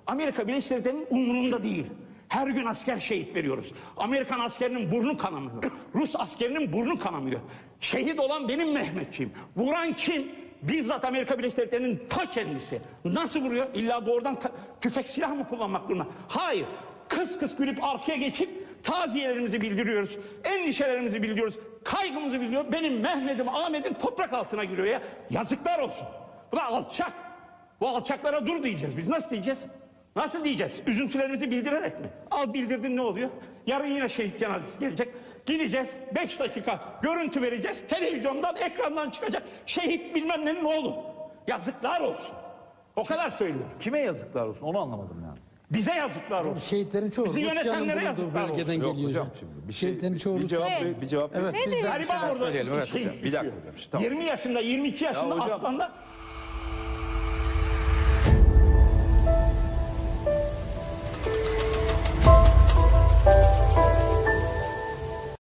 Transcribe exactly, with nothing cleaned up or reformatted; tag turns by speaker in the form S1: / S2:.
S1: Amerika Birleşik Devletleri'nin umurunda değil. Her gün asker şehit veriyoruz. Amerikan askerinin burnu kanamıyor. Rus askerinin burnu kanamıyor. Şehit olan benim Mehmetçiğim. Vuran kim? Bizzat Amerika Birleşik Devletleri'nin ta kendisi. Nasıl vuruyor? İlla doğrudan tüfek silah mı kullanmak zorunda? Hayır. Kıs kıs gülüp arkaya geçip taziyelerimizi bildiriyoruz. Endişelerimizi bildiriyoruz. Kaygımızı bildiriyor. Benim Mehmet'im, Ahmet'im toprak altına giriyor ya. Yazıklar olsun. Bu da alçak. Bu alçaklara dur diyeceğiz. Biz nasıl diyeceğiz? Nasıl diyeceğiz? Üzüntülerimizi bildirerek mi? Al bildirdin, ne oluyor? Yarın yine şehit cenazesi gelecek. Gideceğiz, beş dakika görüntü vereceğiz. Televizyondan, ekrandan çıkacak. Şehit bilmem nenin oğlu. Yazıklar olsun. O kadar söylüyorum.
S2: Kime yazıklar olsun onu anlamadım yani.
S1: Bize yazıklar olsun.
S3: Şehitlerin çoğu
S1: Bizi
S3: Rusya'nın
S1: yönetenlere
S3: bulunduğu
S1: yazıklar
S3: bölgeden
S1: olsun.
S3: geliyor.
S2: hocam
S3: hocam.
S2: şimdi bir şey-
S3: Şehitlerin çoğu
S4: Bir cevap
S3: Rusya.
S4: ver, bir cevap ver.
S3: Evet, biz de
S1: Gariban orada
S2: söyleyelim, evet
S1: şey
S2: hocam. Bir dakika
S1: düşüyor.
S2: hocam, tamam.
S1: yirmi yaşında, yirmi iki yaşında
S2: hocam,
S1: aslanda